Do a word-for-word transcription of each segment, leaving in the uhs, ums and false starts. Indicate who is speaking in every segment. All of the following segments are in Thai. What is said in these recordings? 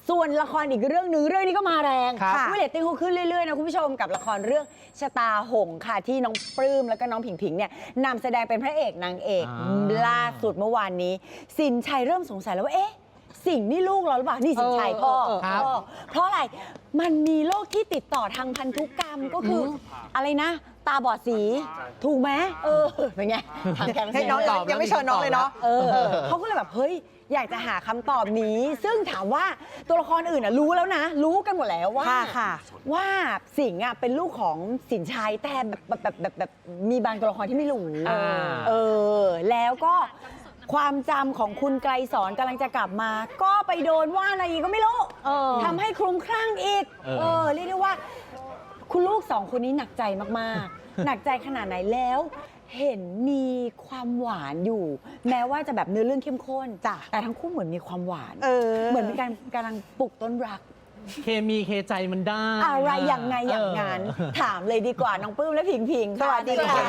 Speaker 1: ส่วนละครอีกเรื่องหนึ่งเรื่องนี้ก็มาแรงค่ะเรตติ้งเขาขึ้นเรื่อยๆนะคุณผู้ชมกับละครเรื่องชะตาหงส์ค่ะที่น้องปลื้มแล้วก็น้องผิงผิงเนี่ยนำแสดงเป็นพระเอกนางเอกล่าสุดเมื่อวานนี้สินชัยเริ่มสงสัยแล้วว่าเอ๊ะสิ่งนี่ลูกเราหรือเปล่านี่สินชัยพ่อพ่อเพราะอะไรมันมีโรคที่ติดต่อทางพันธุกรรมก็คืออะไรนะตาบอดสีถูกไหมเออเป็นไงทางแคมป์
Speaker 2: น้องยังไม่เชิญน้องเลยเนาะ
Speaker 1: เออเขาก็เลยแบบเฮ้ยอยากจะหาคำตอบนี้ ซึ่งถามว่าตัวละครอื่นน่ะรู้แล้วนะรู้กันหมดแล้วว่าว่าสิงห์อ่ะเป็นลูกของสินชัยแต่แบบแบบแบบแบบมีบางตัวละครที่ไม่รู้เออแล้วก็ความจำของคุณไกรสอนกำลังจะกลับมา ก็ไปโดนว่าอะไรอีกก็ไม่รู้ทำให้คลุ้มคลั่งอีกเออเรียกได้ว่าคุณลูกสองคนนี้หนักใจมากๆ หนักใจขนาดไหนแล้วเห็นมีความหวานอยู่ แม้ว่าจะแบบเนื้อเรื่องเข้มข้นจ้ะแต่ทั้งคู่เหมือนมีความหวานเออเหมือนมีการกำลังปลุกต้นรัก
Speaker 3: เคมีเคใจมันได้
Speaker 1: อะไรอย่างไงอย่างนั้นถามเลยดีกว่าน้องปลื้มและผิงผิง
Speaker 2: สวัสดีค่ะ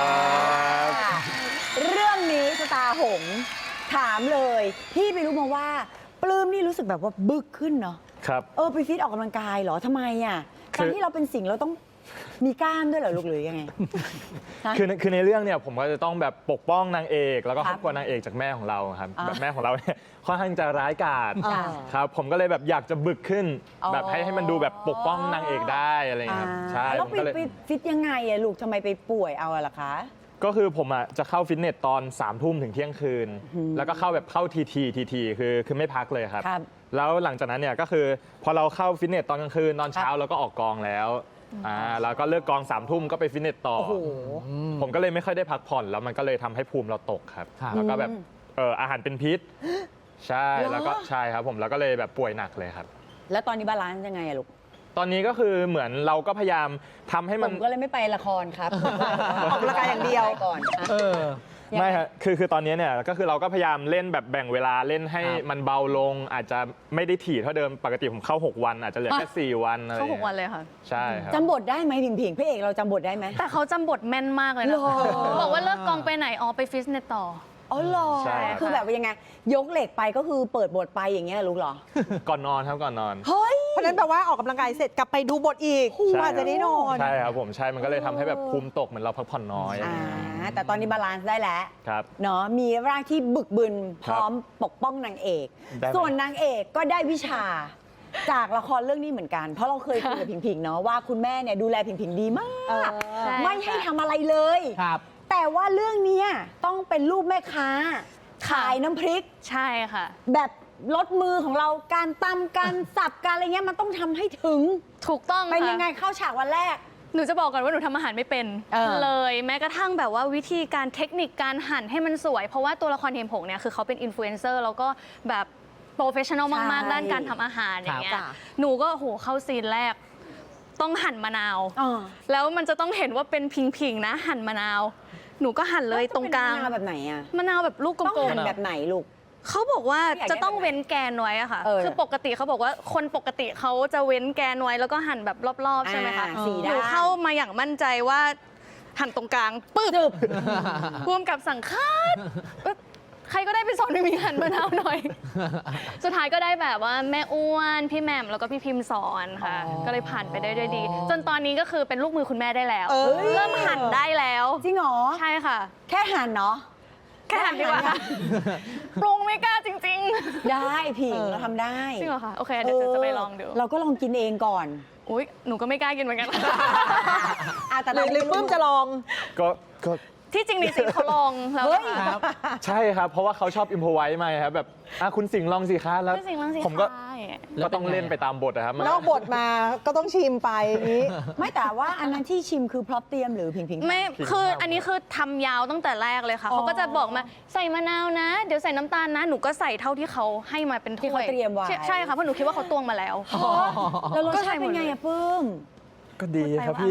Speaker 1: เรื่องนี้ชะตาหงส์ถามเลยพี่ไปรู้มาว่าปลื้มนี่รู้สึกแบบว่าบึกขึ้นเนาะ
Speaker 4: ครับ
Speaker 1: เออไปฟิตออกกำลังกายเหรอทำไมอ่ะการที่เราเป็นสิงห์เราต้องมีกล้ามด้วยเหรอลูกหรือยังไง
Speaker 4: คือคือในเรื่องเนี่ยผมก็จะต้องแบบปกป้องนางเอกแล้วก็ครอบครัวนางเอกจากแม่ของเราครับแบบแม่ของเราเนี่ยค่อนข้างจะร้ายกาจครับผมก็เลยแบบอยากจะบึกขึ้นแบบให้ให้มันดูแบบปกป้องนางเอกได้อะไรอย่างเงี้ยครับใช่
Speaker 1: แล้วไปฟิตยังไงอะลูกทำไมไปป่วยเอาล่ะคะ
Speaker 4: ก็คือผมอ่ะจะเข้าฟิตเนสตอนสามทุ่มถึงเที่ยงคืนแล้วก็เข้าแบบเข้าทีทีทีทีคือคือไม่พักเลยครับแล้วหลังจากนั้นเนี่ยก็คือพอเราเข้าฟิตเนสตอนกลางคืนตอนเช้าเราก็ออกกองแล้วอ่าแล้วก็เลิกกองสามทุ่มก็ไปฟิตเนสต่อผมก็เลยไม่ค่อยได้พักผ่อนแล้วมันก็เลยทำให้ภูมิเราตกครับแล้วก็แบบเอออาหารเป็นพิษใช่แล้วก็ใช่ครับผมแล้วก็เลยแบบป่วยหนักเลยครับ
Speaker 1: แล้วตอนนี้บาลานซ์ยังไงอะลูก
Speaker 4: ตอนนี้ก็คือเหมือนเราก็พยายามทำให้มัน
Speaker 1: ผมก็เลยไม่ไปละครครับ
Speaker 2: ออกกำลังกายอย่างเดียว
Speaker 1: ก่อน
Speaker 4: เออไม่ครับคือคือตอนนี้เนี่ยก็คือเราก็พยายามเล่นแบบแบ่งเวลาเล่นให้มันเบาลงอาจจะไม่ได้ถี่เท่าเดิมปกติผมเข้าหกวันอาจจะเหลือแค่สี่วันอะไร
Speaker 5: เข้าหกวันเลยค่ะ
Speaker 4: ใช่ครับ
Speaker 1: จำบทได้ไหมผิงผิงพระเอกเราจำบทได้ไหม
Speaker 5: แต่เขาจำบทแม่นมากเลยนะบอกว่าเลิกกองไปไหนอ๋อไปฟิตเนสต่อ
Speaker 1: อ๋อเหรอคือแบบยังไงยกเหล็กไปก็คือเปิดบทไปอย่างเงี้ยลูกเหรอ
Speaker 4: ก่อนนอนครับก่อนนอน
Speaker 1: เฮ้ย
Speaker 2: เพราะนั้นแปลว่าออกกำลังกายเสร็จกลับไปดูบทอีกกว่าจะได้นอน
Speaker 4: ใช่ครับผมใช่มันก็เลยทำให้แบบภูมิตกเหมือนเราพักผ่อนน้อย
Speaker 1: อ่าแต่ตอนนี้บาลานซ์ได้แล้ว
Speaker 4: ครับ
Speaker 1: เนาะมีร่างที่บึกบึนพร้อมปกป้องนางเอกส่วนนางเอกก็ได้วิชาจากละครเรื่องนี้เหมือนกันเพราะเราเคยคุยกับผิงผิงเนาะว่าคุณแม่เนี่ยดูแลผิงผิงดีมากไม่ให้ทำอะไรเลยแต่ว่าเรื่องนี้ต้องเป็นลูกแม่ค้าขายน้ำพริก
Speaker 5: ใช่ค่ะ
Speaker 1: แบบลดมือของเราการตำการสับการอะไรเงี้ยมันต้องทำให้ถึง
Speaker 5: ถูกต้อง
Speaker 1: เป็นยังไงเข้าฉากวันแรก
Speaker 5: หนูจะบอกก่อนว่าหนูทำอาหารไม่เป็นเลยแม้กระทั่งแบบว่าวิธีการเทคนิคการหั่นให้มันสวยเพราะว่าตัวละครเทมผงเนี่ยคือเขาเป็นอินฟลูเอนเซอร์แล้วก็แบบโปรเฟชชั่นอลมากๆด้านการทำอาหารอย่างเงี้ยหนูก็โหเข้าซีนแรกต้องหั่นมะนาวแล้วมันจะต้องเห็นว่าเป็นพิงๆนะหั่นมะนาวหนูก็หั่นเลยตรงกลาง
Speaker 1: มะนาวแบบไหนอะ
Speaker 5: มะนาวแบบลูกกลมๆ
Speaker 1: ต้องหั่นแบบไหนลูก
Speaker 5: เขาบอกว่าจะต้องเว้นแกนไว้อะค่ะคือปกติเขาบอกว่าคนปกติเขาจะเว้นแกนไว้แล้วก็หั่นแบบรอบๆใช่ไหมคะหนูเข้ามาอย่างมั่นใจว่าหั่นตรงกลางปึ๊บรวมกับสั่งคาดใครก็ได้ไปสอนให้มีหั่นมะนาวหน่อยสุดท้ายก็ได้แบบว่าแม่อ้วนพี่แหม่มแล้วก็พี่พิมพ์สอนค่ะก็เลยผ่านไปได้ด้วยดีจนตอนนี้ก็คือเป็นลูกมือคุณแม่ได้แล้วเริ่มหั่นได้แล้ว
Speaker 1: จริงเหรอ
Speaker 5: ใช่ค่ะ
Speaker 1: แค่หั่นเนาะ
Speaker 5: แค่หั่นดีกว่าปรุงไม่กล้าจริง
Speaker 1: ๆได้ผิงเราทำได้
Speaker 5: จริงเหรอคะโอเคเดี๋ยวจะไปลองดู
Speaker 1: เราก็ลองกินเองก่อน
Speaker 5: อุ้ยหนูก็ไม่กล้ากินเหมือนกัน
Speaker 2: แต่หรือปื้มจะลอง
Speaker 4: ก็ก็
Speaker 5: ที่จริงนี่สิเขาลองแล้ว
Speaker 4: ครับใช่ครับเพราะว่าเขาชอบอิมพอไว้มาครับแบบคุณสิงห์ลองสิคะแล้วผมก็ก็ต้องเล่นไปตามบทนะครับ
Speaker 2: นอกบทมาก็ต้องชิมไปนี้
Speaker 1: ไม่แต่ว่าอันนั้นที่ชิมคือพร็อพเตรียมหรือพิงพิง
Speaker 5: ไม่คืออันนี้คือทำยาวตั้งแต่แรกเลยค่ะเขาก็จะบอกมาใส่มะนาวนะเดี๋ยวใส่น้ำตาลนะหนูก็ใส่เท่าที่เขาให้มาเป็นถ้วย
Speaker 1: ที่เขาเตรียมไว้
Speaker 5: ใช่ค่ะเพราะหนูคิดว่าเขาตวงมาแล้ว
Speaker 1: แล้วรสชาติเป็นไงอะปื้ม
Speaker 4: ก็ดีครับพี่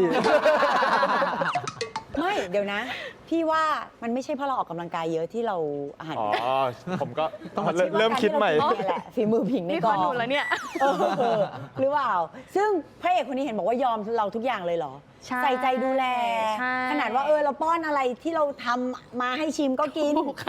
Speaker 1: ไม่เดี๋ยวนะพี่ว่ามันไม่ใช่เพราะเราออกกำลังกายเยอะที่เราอาหาร
Speaker 4: อ๋อผมก็ต้องเริ่มคิดใหม่
Speaker 1: แหละฝีมือผิงในกอง
Speaker 5: นี่พอหนูแล้วเนี่ย
Speaker 1: หรือเปล่าซึ่งพระเอกคนนี้เห็นบอกว่ายอมเราทุกอย่างเลยเหรอใส่ใจดูแลขนาดว่าเออเราป้อนอะไรที่เราทำมาให้ชิมก็กิน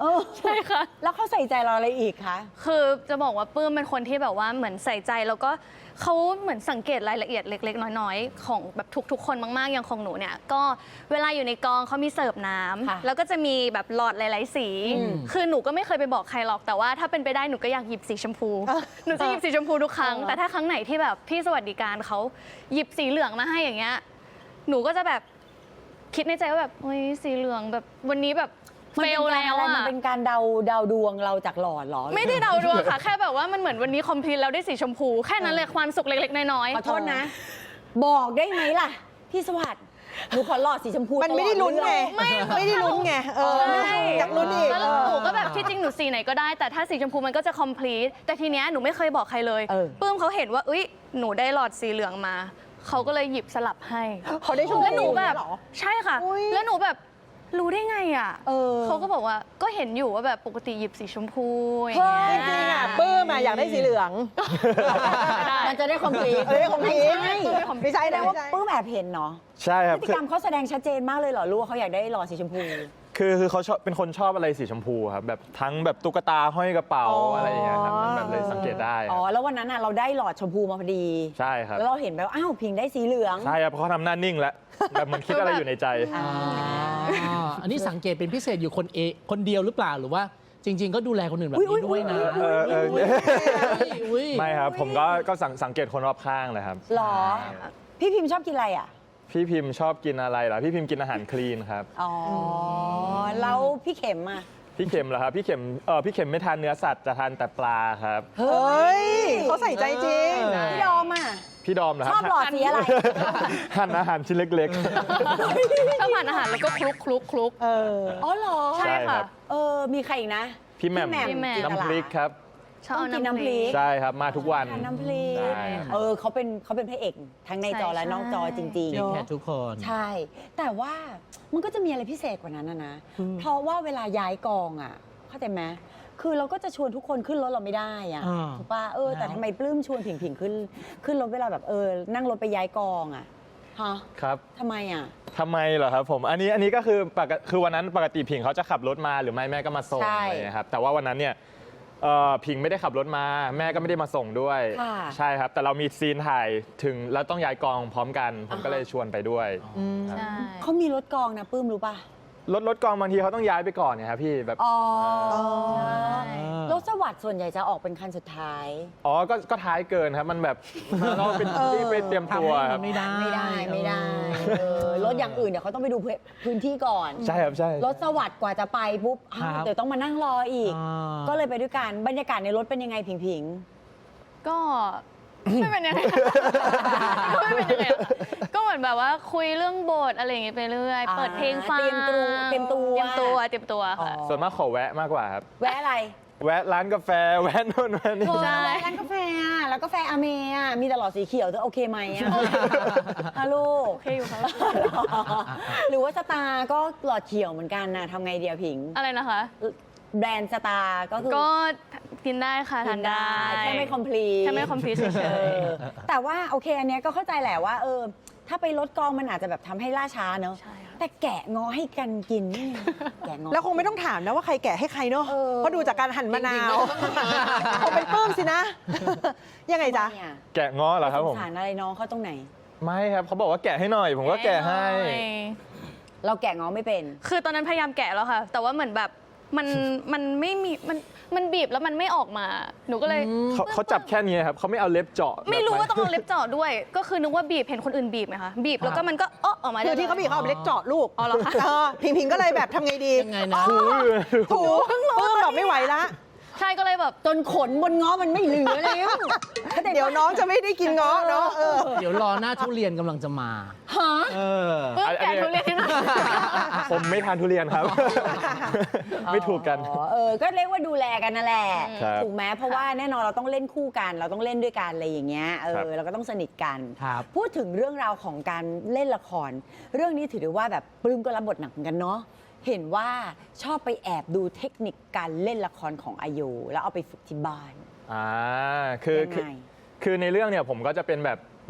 Speaker 1: เออ
Speaker 5: ใช่ค่ะ
Speaker 1: แล้วเขาใส่ใจเราอะไรอีกคะ
Speaker 5: คือจะบอกว่าปื้มเป็นคนที่แบบว่าเหมือนใส่ใจแล้วก็เขาเหมือนสังเกตรายละเอียดเล็กๆ น้อยๆ ของแบบทุกๆ คนมากๆ อย่างของหนูเนี่ยก็เวลาอยู่ในกองเขามีเสิร์ฟน้
Speaker 1: ค่ะ
Speaker 5: ำแล้วก็จะมีแบบหลอดหลายๆสี คือหนูก็ไม่เคยไปบอกใครหรอกแต่ว่าถ้าเป็นไปได้หนูก็อยากหยิบสีชมพู หนูจะหยิบสีชมพูทุกครั้ง แต่ถ้าครั้งไหนที่แบบพี่สวัสดิการเขาหยิบสีเหลืองมาให้อย่างเงี้ยหนูก็จะแบบคิดในใจว่าแบบเฮ้ยสีเหลืองแบบวันนี้แบบ
Speaker 1: มัน
Speaker 5: เฟ
Speaker 1: เป็น
Speaker 5: ล
Speaker 1: การ
Speaker 5: แล้ว
Speaker 1: อะไร
Speaker 5: อะ
Speaker 1: มันเป็นการเดาเดาดวงเราจากหลอดเหรอ
Speaker 5: ไม่ได้เดาดวงค่ะ แค่แบบว่ามันเหมือนวันนี้คอมพลีทแล้วได้สีชมพู แค่นั้นเลยความสุขเล็กๆ น้อยๆ
Speaker 1: ขอโทษนะ บอกได้ไหมล่ะ พี่สวัสดิ์หนูขอหลอดสีชมพู
Speaker 2: มันไม่ได้ลุ้นไง
Speaker 5: ไม่
Speaker 2: ไม่ได้ลุ้นไงเออ
Speaker 5: ใช่
Speaker 2: อยากลุ้นอีก
Speaker 5: แล้วหนูก็แบบที่จริงหนูสีไหนก็ได้ แต่ถ้าสีชมพูมันก็จะคอมพลีทแต่ทีเนี้ยหนูไม่เคยบอกใครเลยปื้มเขาเห็นว่าอุ้ยหนูได้หลอดสีเหลืองมาเขาก็เลยหยิบสลับให้
Speaker 2: เขาได้ชม
Speaker 5: แล้วหนูแบบ
Speaker 2: เหรอ
Speaker 5: ใช่ค่ะ
Speaker 2: อุ๊ย
Speaker 5: แล้วหนูแบบรู้ได้ไงอ่ะ
Speaker 1: เออ
Speaker 5: เขาก็บอกว่าก็เห็นอยู่ว่าแบบปกติหยิบสีชมพูอย่าง
Speaker 1: เฮ้
Speaker 5: เงี้
Speaker 1: ย
Speaker 5: ย
Speaker 2: จริงๆอ่ะปื้มอ่ะอยากได้สีเหลือง
Speaker 1: มันจะได้คอมพลีท
Speaker 2: เออได้ complete
Speaker 1: ไม่ใช่
Speaker 2: ไม่ใช่
Speaker 1: แสด
Speaker 2: นะ
Speaker 1: งว่า
Speaker 2: ไม่ใช่
Speaker 1: ปื้มแอบเห็นเนาะ
Speaker 4: ใช่ค
Speaker 1: พ
Speaker 4: รับ
Speaker 1: ฤติ
Speaker 4: คื
Speaker 1: ก
Speaker 4: อ
Speaker 1: รรมเขาแสดงชัดเจนมากเลยเหรอรู้ว่าเขาอยากได้หลอดสีชมพู
Speaker 4: คือคือเขาชอบเป็นคนชอบอะไรสีชมพูครับแบบทั้งแบบตุ๊กตาห้อยกระเป๋า
Speaker 2: อ๋ออ
Speaker 4: อะไรอย่างเงี้ยครับมันแบบเลยสังเกตได้ค
Speaker 1: อ๋
Speaker 4: รั
Speaker 1: อบ แล้ววันนั้นน่ะเราได้หลอดชมพูมาพอดี
Speaker 4: ใช่ครับ
Speaker 1: แล้วเราเห็นแบบอ้าวพิงได้สีเหลือง
Speaker 4: ใช่ครับเพราะเขาทำหน้านิ่งแล้วแบบเหมันคิดอะไรอยู่ในใจ
Speaker 1: อ่า
Speaker 3: อ่าอันนี้สังเกตเป็นพิเศษอยู่คนเอคนเดียวหรือเปล่าหรือว่าจริง ๆ ก็ดูแลคนอื่นแบบ
Speaker 1: อุ๊ย
Speaker 3: นี้ด้วยนะ
Speaker 4: เออเออ
Speaker 3: อุ๊ยอุ๊ย
Speaker 4: ไม่ครับผมก็ก็สังสังเกตคนรอบข้างเลยครับ
Speaker 1: หรอ พี่พิมพ์ชอบกินอะไรอ่ะ
Speaker 4: พี่พิมพ์ชอบกินอะไรเหรอพี่พิมพ์กินอาหารคลีนครับ
Speaker 1: อ๋อแล้วพี่เข็มอ่ะ
Speaker 4: พี่เข็มเหรอครับพี่เข็มเออพี่เข็มไม่ทานเนื้อสัตว์จะทานแต่ปลาครับ
Speaker 1: เฮ้
Speaker 2: เฮ้
Speaker 1: ย
Speaker 2: ยเขาใส่ใจจริง
Speaker 1: พี่ดอมอ่ะ
Speaker 4: พี่ดอมเหรอค
Speaker 1: ช
Speaker 4: รั
Speaker 1: อบหลอดสีอะไร
Speaker 4: หั่นอาหารชิ้นเล็ก
Speaker 5: ชอบทานอาหารแล้วก็คลุกคลุกคลุก
Speaker 2: เออ
Speaker 1: อ๋อเหรอ
Speaker 4: ๆ ใช่ครับ
Speaker 1: เออ มีใครอีกนะ
Speaker 4: พี่แหม่ม
Speaker 5: พี่แหม่ม
Speaker 1: จินตลา
Speaker 4: น้ำพริกครับ
Speaker 5: ชอบเอา
Speaker 1: ต้องกิน
Speaker 5: น้ำ
Speaker 1: น้ำ
Speaker 5: พ
Speaker 1: พริ
Speaker 5: ริ
Speaker 1: ก
Speaker 5: ก
Speaker 4: ใช่ครับมาทุกวัน
Speaker 1: ทานน้ำพริก
Speaker 4: ใช่ครับ
Speaker 1: เออเขาเป็นเขาเป็นพระเอกทั้งในจอและนอกจอจริง
Speaker 3: จริง
Speaker 1: ๆ
Speaker 3: แค่ทุกคน
Speaker 1: ใช่ แต่ว่ามันก็จะมีอะไรพิเศษกว่านั้นนะนะ เพราะว่าเวลาย้ายกองอ่ะ เข้าใจไหมคือเราก็จะชวนทุกคนขึ้นรถเราไม่ได้อ่ะ
Speaker 3: อ่า
Speaker 1: ถูกป่ะ เออ แต่
Speaker 3: แล้ว
Speaker 1: ทำไมปลื้มชวนผิงผิงขึ้น ขึ้นรถเวลาแบบเออ นั่งรถไปย้ายกองอ่ะ ฮะ
Speaker 4: ครับ
Speaker 1: ทำไมอ่ะ
Speaker 4: ทำไมเหรอครับผมอันนี้อันนี้ก็คือปกติคือวันนั้นปกติผิงเขาจะขับรถมาหรือไม่แม่ก็มาส่ง
Speaker 1: ใช่
Speaker 4: อะไรอย่างเงี้ยครับแต่ว่าวันนั้นเนี่ยเอ่อผิงไม่ได้ขับรถมา แม่ก็ไม่ได้มาส่งด้วย
Speaker 1: ค่ะ
Speaker 4: ใช่ครับ แต่เรามีซีนถ่ายถึงแล้วต้องย้ายกองพร้อมกัน ผมก็เลยชวนไปด้วยครับ
Speaker 5: ใช่
Speaker 1: เขามีรถกองนะปลื้มรู้ป่ะ
Speaker 4: รถรถกองบางทีเขาต้องย้ายไปก่อนเนี่ยครับพี่แบบ
Speaker 1: อ๋อ
Speaker 5: ใช่
Speaker 1: รถสวัสดิ์ส่วนใหญ่จะออกเป็นคันสุดท้าย
Speaker 4: อ๋อก็ก็ท้ายเกินครับมันแบบมันต้องเป็นที่ไปเตรียม
Speaker 3: ทำ
Speaker 4: ตัว
Speaker 3: ให้
Speaker 4: ค
Speaker 3: มั
Speaker 4: รับ
Speaker 3: นไม่ได้
Speaker 1: ไม่ได้ไม่ได้เออรถอย่างอื่นเดี๋ยวเขาต้องไปดูพื้นที่ก่อน
Speaker 4: ใช่ครับใช่
Speaker 1: รถสวัสดิ์กว่าจะไปปุ๊บอ้าว
Speaker 3: ครับ
Speaker 1: เดี๋ยวต้องมานั่งรออีก
Speaker 3: อ่า
Speaker 1: ก็เลยไปด้วยกันบรรยากาศในรถเป็นยังไงผิงผิง
Speaker 5: ก็ไม่เป็นยังไงก็ไม่เป็นยังไงอะก็เหมือนแบบว่าคุยเรื่องบทอะไรอย่างเงี้ยไปเรื่อย
Speaker 1: อ่า
Speaker 5: เปิดเพลงฟัง
Speaker 1: เตรียมตัวเตรียมตัว
Speaker 5: เตรียมตัวเตรียมตัวค่ะ
Speaker 4: ส่วนมากขอแวะมากกว่าครับ
Speaker 1: แวะอะไร
Speaker 4: แวะร้านกาแฟแวะโน่นแวะนี่
Speaker 5: ใช่
Speaker 1: แวะร้านกาแฟอ่ะแล้วกาแฟอาเมอ่ะมีแต่หลอดสีเขียวเธอโอเคไหมอ่ะฮัลโหล
Speaker 5: โอเคอยู่ค่ะ
Speaker 1: หรือว่าสตาร์ก็หลอดเขียวเหมือนกันนะทำไงเดียวผิง
Speaker 5: อะไรนะคะ
Speaker 1: แบรนด์สตาร์ก็คือ
Speaker 5: ก็กินได้ค่ะทานได้
Speaker 1: แค่ไม่คอมพลีท
Speaker 5: แค่ไม่คอมพลีทเฉ
Speaker 1: เอย อแต่ว่าโอเคอันเนี้ยก็เข้าใจแหละว่าเออถ้าไปลดกองมันอาจจะแบบทำให้ล่าช้าเนอะ
Speaker 5: ใช่ค่ะ
Speaker 1: แต่แกะงอให้กันกินนี่ไงแกะงอ
Speaker 2: แล้วคงไม่ต้องถามนะว่าใครแกะให้ใครเนาะ
Speaker 1: เออ
Speaker 2: เพราะดูจากการหั่นมะนาวคงเป็นปื้มสินะ ยังไงจ๊ะ
Speaker 1: เนี่ย
Speaker 4: แกะง้อเหรอครับผม
Speaker 1: สงสารอะไรน้องเขาตรงไหน
Speaker 4: ไม่ครับเขาบอกว่าแกะให้หน่อย ผมก็แกะให้
Speaker 1: เราแกะงอไม่เป็น
Speaker 5: คือตอนนั้นพยายามแกะแล้วค่ะ แต่ว่าเหมือนแบบมันมันไม่มีมันมันบีบแล้วมันไม่ออกมา หนูก็เลย
Speaker 4: เขาเขาจับแค่นี้ครับเขาไม่เอาเล็บเจาะ
Speaker 5: ไม่รู้ว่า
Speaker 4: แบบ
Speaker 5: ต้องเอาเล็บเจาะด้วย ก็คือนึกว่าบีบเห็นคนอื่นบีบไหมคะบีบแล้วก็มันก็เออออกมาได้
Speaker 2: คือที่เขาบีบเขาเอาไปเล็กเจาะลูก
Speaker 5: อ๋อเหรอคะ
Speaker 2: เออพิงพิงก็เลยแบบทำไงดี
Speaker 3: ยังไงนะ
Speaker 4: ถูอยู่
Speaker 2: ถูปื้มแบบไม่ไหวละ
Speaker 5: ใช่ก็เลยแบบ
Speaker 1: จนขนบนง้อมันไม่เหลือแล้ว
Speaker 2: เดี๋ยวน้องจะไม่ได้กินเงาะเนาะเออ
Speaker 3: เดี๋ยวรอหน้าทุเรียนกำลังจะมา
Speaker 1: ฮะ
Speaker 3: เออ
Speaker 5: เพิ่งแกะทุเรียนให้หน่อย
Speaker 4: ผมไม่ทานทุเรียนครับ ไม่ถูกกัน
Speaker 1: อ๋อเออ ก็เรียกว่าดูแลกันนั่นแหละ
Speaker 4: ครับ
Speaker 1: ถูกไหมเพราะว่าแน่นอนเราต้องเล่นคู่กัน เราต้องเล่นด้วยกันอะไรอย่างเงี้ย เอ
Speaker 4: ครับ
Speaker 1: อ เราก็ต้องสนิทกัน
Speaker 3: ครับ
Speaker 1: พูดถึงเรื่องราวของการเล่นละคร เรื่องนี้ถือได้ว่าแบบปลื้มก็รับบทหนักเหมือนกันเนาะ เห็นว่าชอบไปแอบดูเทคนิคการเล่นละครของอายุแล้วเอาไปฝึกที่บ้าน
Speaker 4: อ่าคือ
Speaker 1: ยัง
Speaker 4: คือ
Speaker 1: ไง
Speaker 4: คือในเรื่องเนี่ยผมก็จะเป็นแบบเ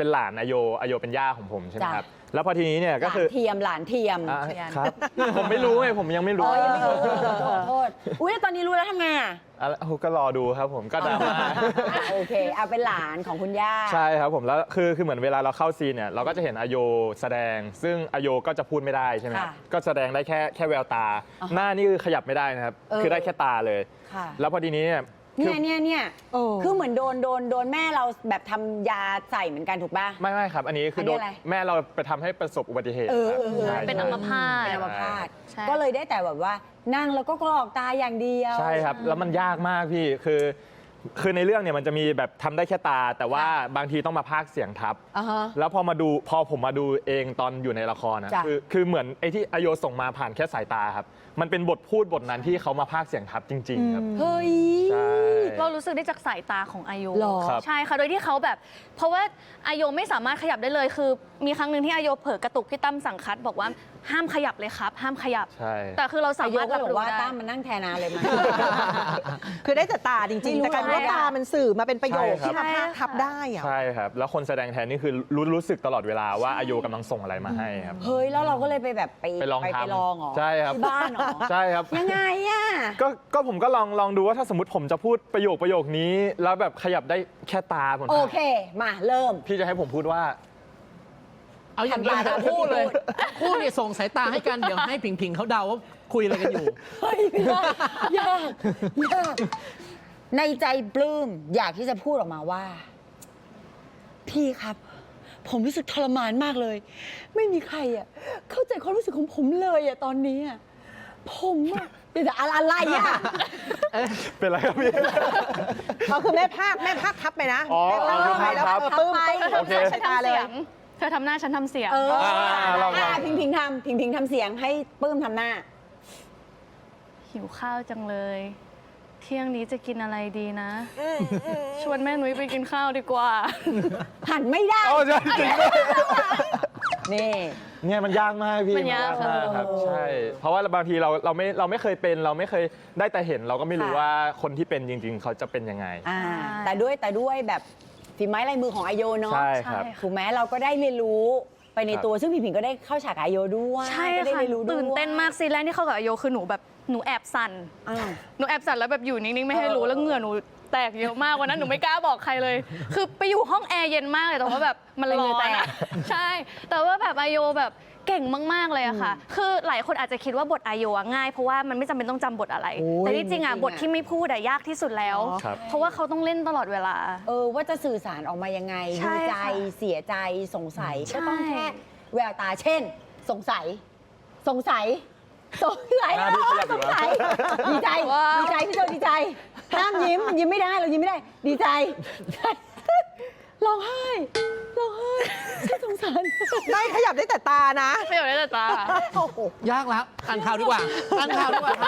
Speaker 4: เป็นหลานอโยอโยเป็นย่าของผมใช่ไหม
Speaker 1: จ้ะ
Speaker 4: ครับแล้วพอทีนี้เนี่ย
Speaker 1: ห
Speaker 4: ก็
Speaker 1: ลาน
Speaker 4: คือ
Speaker 1: เทียมหลานเทียม
Speaker 4: อ่ะครับ ผมไม่รู้ไงผมยังไม่
Speaker 1: อ๋
Speaker 4: รู้
Speaker 1: อยังไม่รู้ขอโทษขอโทษอุ้ยแล้วตอนนี้รู้แล้วทำไงอ่ะ
Speaker 4: อ่ะก็รอดูครับผมก็ดราม่า
Speaker 1: โอเค เอาเป็นหลานของคุณย่า
Speaker 4: ใช่ครับผมแล้วคือคือเหมือนเวลาเราเข้าซีนเนี่ยเราก็จะเห็นอโยแสดง ซึ่งอโยก็จะพูดไม่ได้ใช่ไหมครับ
Speaker 1: ค่ะ
Speaker 4: ก็แสดงได้แค่แค่แววตา
Speaker 1: อ๋อ
Speaker 4: หน้านี่คือขยับไม่ได้นะครับ
Speaker 1: เออ
Speaker 4: คือได้แค่ตาเลย
Speaker 1: ค่ะ
Speaker 4: แล้วพอทีนี้เนี่ยคื
Speaker 1: เนี่
Speaker 4: อย
Speaker 1: เนี่ยเนี่ย
Speaker 2: เออ
Speaker 1: คือเหมือนโดนโดนโดนแม่เราแบบทำยาใส่เหมือนกันถูกป่ะ
Speaker 4: ไม่ไม่ครับ อันนี้คืออน
Speaker 1: นี้
Speaker 4: โดน
Speaker 1: อะไร
Speaker 4: แม่เราไปทำให้ประสบอุบัติเหตุ
Speaker 1: เออ
Speaker 4: ครับ
Speaker 1: เออเออ
Speaker 4: ใช่
Speaker 5: เป็นอัมพาต
Speaker 1: เป็นอัมพาต
Speaker 5: ใช่
Speaker 1: ก็เลยได้แต่แบบว่านั่งแล้วก็กรอกตาอย่างเดียว
Speaker 4: ใช่ครับ แล้วมันยากมากพี่คือคือในเรื่องเนี่ยมันจะมีแบบทำได้แค่ตา แต่ว่าบางทีต้องมาพากย์เสียงทับ
Speaker 1: อ่าฮะ
Speaker 4: แล้วพอมาดูพอผมมาดูเองตอนอยู่ในละครนะ
Speaker 1: จ้ะ
Speaker 4: คือคือเหมือนไอ้ที่อโยส่งมาผ่านแค่สายตาครับ มันเป็นบทพูดบทนั้นที่เขามาพากย์เสียงทับจริง ๆ ครับ
Speaker 1: เฮ้ย
Speaker 4: ใช่
Speaker 5: เรารู้สึกได้จากสายตาของอายุ
Speaker 1: หรอ
Speaker 4: ครับ
Speaker 5: ใช่ค่ะโดยที่เขาแบบ เพราะว่าอายุไม่สามารถขยับได้เลยคือ มีครั้งหนึ่งที่อายุเผลอกระตุกพี่ตั้มสั่งคัดบอกว่าห้ามขยับเลยครับ ห้ามขยับ
Speaker 4: ใช่
Speaker 5: แต่คือเราสา
Speaker 1: อายุ
Speaker 5: มารถ
Speaker 1: ก็
Speaker 5: รับ
Speaker 1: บอก
Speaker 5: รู้
Speaker 1: ว่า
Speaker 5: ได้
Speaker 1: ตั้มมานั่งแทนนาเลยไหม
Speaker 2: คือได้แต่ตาจริง
Speaker 1: ไม่
Speaker 2: ๆ
Speaker 1: รู้
Speaker 2: แต่กลายเป็นว่า
Speaker 1: อะไรอะ
Speaker 2: ตามันสื่อมาเป็นประโยค
Speaker 4: ใช่ครับ
Speaker 2: ที่มาพากทับได้อะ
Speaker 4: ใช่ครับ แล้วคนแสดงแทนนี่คือรู้รู้สึกตลอดเวลาว่าอายุกำลังส่งอะไรมาให้ครับ
Speaker 1: เฮ้ย แล้วเราก็เลยไปแบบไป
Speaker 4: ไปลอง
Speaker 1: ไป
Speaker 4: ทำ
Speaker 1: ลองเหรอ
Speaker 4: ใช่ครับ
Speaker 1: ที่บ้านเหรอ
Speaker 4: ใช่ครับ
Speaker 1: ยังไงอ่ะ
Speaker 4: ก็ก็ผมก็ลองลองดูว่าถ้าสมมติผมจะพูดประโยคประโยคนี้ แล้วแบบขยับได้แค่ตาผม
Speaker 1: โอเค มาเริ่ม
Speaker 4: พี่จะให้ผมพูดว่า
Speaker 3: เอาอย่าง
Speaker 1: ทำ
Speaker 3: นี้
Speaker 1: ตา
Speaker 3: ทั้ง
Speaker 1: ตาม
Speaker 3: คู่เลย
Speaker 1: ที่พูด
Speaker 3: คู่เนี่ยส่งสายตาให้กัน เดี๋ยวให้ผิงผิงเขาเดาว่าคุยอะไรกันอยู่
Speaker 1: เฮ้ยยากยากยากในใจปลื้มอยากที่จะพูดออกมาว่า พี่ครับ ผมรู้สึกทรมานมากเลย ไม่มีใครอ่ะเข้าใจความรู้สึกของผมเลยอ่ะตอนนี้อ่ะผมอ่ะเดี๋ยวอะไรอะไรอ่ะ
Speaker 4: เป็นไรครับพี่
Speaker 2: เขาคือแม่ภาคแม่ภาคทับไปนะ
Speaker 4: อ๋อ
Speaker 2: แม่ภาคทับไปแล้ว
Speaker 4: ครับ
Speaker 2: เออปึ้มปึ้ม
Speaker 4: โอเค
Speaker 2: ใส่ตาเลย
Speaker 5: เธอทำหน้าฉันทำเสียง
Speaker 1: เออ
Speaker 4: อ่าลองๆ
Speaker 1: อ่าพิงพิงทำพิงพิงทำเสียงให้ปลื้มทำหน้า
Speaker 5: หิวข้าวจังเลย เที่ยงนี้จะกินอะไรดีนะ ชวนแม่นุ้ยไปกินข้าวดีกว่า
Speaker 1: หันไม่ได้
Speaker 4: โอ้ใช่จริงด้วย
Speaker 1: นี่
Speaker 4: เนี่ยมันยากมากพี่
Speaker 5: มันยาก
Speaker 4: มากครับ
Speaker 1: เออ
Speaker 4: ใช่ เพราะว่าบางทีเราเราไม่เราไม่เคยเป็นเราไม่เคยได้แต่เห็นเราก็ไม่รู้
Speaker 1: ค่ะ
Speaker 4: ว่าคนที่เป็นจริง ๆ เขาจะเป็นยังไง
Speaker 1: อ่าแต่ด้วยแต่ด้วยแบบฝีไม้ลายมือของอาโยเนาะ
Speaker 4: ใช่ครับ
Speaker 5: ใช่ค่ะ
Speaker 1: ถูกไหมเราก็ได้เรียนรู้ไปใน
Speaker 4: ครับ
Speaker 1: ตัวซึ่งพี่ผิงก็ได้เข้าฉากกับอาโยด้วย
Speaker 5: ใช่
Speaker 1: ก็ได้
Speaker 5: ค่ะ
Speaker 1: เรียนรู้ด้วย
Speaker 5: ตื่นเต้นมากซีนแรกที่เข้ากับอาโยคือหนูแบบหนูแอบสั่น
Speaker 1: อ้าว
Speaker 5: หนูแอบสั่นแล้วแบบอยู่นิ่งๆไม่ให้รู้
Speaker 1: เออ
Speaker 5: แล้วเหงื่อหนูแตกเยอะมากวันนั้นหนูไม่กล้าบอกใครเลย คือไปอยู่ห้องแอร์เย็นมากเลยแต่ว่าแบบมันร้อนอะใช่ แต่ว่าแบบอาโยแบบเก่งมากๆเลยอะค่ะ คือหลายคนอาจจะคิดว่าบทอาโยอะง่ายเพราะว่ามันไม่จำเป็นต้องจำบทอะไร
Speaker 1: โอ้ย
Speaker 5: แต่ที่จริงอะ
Speaker 1: จริงๆอะ
Speaker 5: บทที่ไม่พูดอะยากที่สุดแล้ว
Speaker 4: ครับ
Speaker 5: เพราะว่าเขาต้องเล่นตลอดเวลา
Speaker 1: เออว่าจะสื่อสารออกมายังไง
Speaker 5: ใช่
Speaker 1: ดีใจ
Speaker 5: ค่ะ
Speaker 1: เสียใจสงสัย
Speaker 5: ใช่
Speaker 1: ก็ต้องแค่แววตาเช่น สงสัย สงสัยสงสัย
Speaker 4: หน้าพี่ขยับอยู่
Speaker 1: สงสัยดีใจ
Speaker 5: ว้าว
Speaker 1: ดีใจพี่โจดีใจห้ามยิ้มยิ้มไม่ได้เรายิ้มไม่ได้ ดีใจดีใจร้องไห้ร้องไห้ฉันสงสาร
Speaker 2: ได้ขยับได้แต่ตานะ
Speaker 5: ไม่อยากได้แต่ตา
Speaker 2: โอ้โห
Speaker 3: ยากแล้วอ่านข่าวดีกว่าอ่านข่าวดีกว่าครับ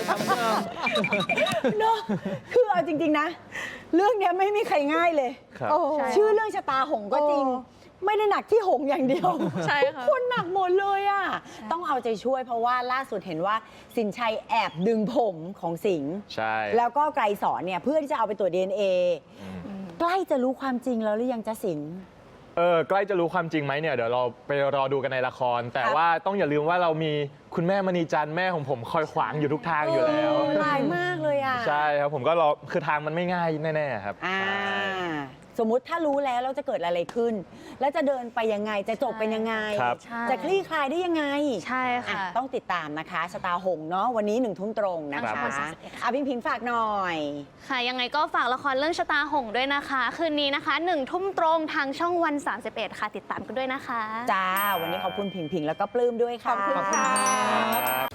Speaker 1: เนาะคือเอาจริง ๆ นะ เรื่องเนี้ยไม่มีใครง่ายเลย
Speaker 4: ครับ
Speaker 2: โอ้
Speaker 5: ใช่
Speaker 1: ชื่อเรื่องชะตาหงส์ก็จริง
Speaker 2: โอ้
Speaker 1: ไม่ได้หนักที่หงส์อย่างเดียว
Speaker 5: ใช่
Speaker 1: ทุก
Speaker 5: ค่ะ
Speaker 1: คนหนักหมดเลยอ่ะต้องเอาใจช่วยเพราะว่าล่าสุดเห็นว่าสินชัยแอบดึงผมของสิงห์
Speaker 4: ใช่
Speaker 1: แล้วก็ไกรสอนเนี่ยเพื่อที่จะเอาไปตรวจ ดี เอ็น เอ ใกล้จะรู้ความจริงแล้วหรือยังจะสิงห์
Speaker 4: เออใกล้จะรู้ความจริงไหมเนี่ยเดี๋ยวเราไปรอดูกันในละคร แต่
Speaker 1: ครับ
Speaker 4: ว่าต้องอย่าลืมว่าเรามีคุณแม่มณีจันทร์แม่ของผมคอยขวางอยู่ทุกทางอยู่แล้ว
Speaker 1: เออหลายมากเลยอ่ะ
Speaker 4: ใช่ครับผมก็รอคือทางมันไม่ง่ายแน่ๆครับ
Speaker 1: อ่า
Speaker 4: ใช่
Speaker 1: สมมุติถ้ารู้แล้วแล้วจะเกิดอะไรขึ้น แล้วจะเดินไปยังไงจะจบเป็นยังไง
Speaker 4: ครับ
Speaker 5: ใช่
Speaker 1: จะคลี่คลายได้ยังไง
Speaker 5: ใช่ค่ะ
Speaker 1: อ่ะต้องติดตามนะคะชะตาหงส์เนาะวันนี้หนึ่งทุ่มตรงนะ
Speaker 4: ครั
Speaker 1: คะ
Speaker 4: บ
Speaker 1: อ่ะพิงพิงฝากหน่อย
Speaker 5: ค่ะยังไงก็ฝากละครเรื่องชะตาหงส์ด้วยนะคะ คืนนี้นะคะหนึ่งทุ่มตรงทางช่องวันสามสิบเอ็ดค่ะ ติดตามกันด้วยนะคะ
Speaker 1: จ้า วันนี้ขอบคุณพิงพิงแล้วก็ปลื้มด้วยค่ะ
Speaker 2: ขอบคุณค่ะ
Speaker 4: ครับ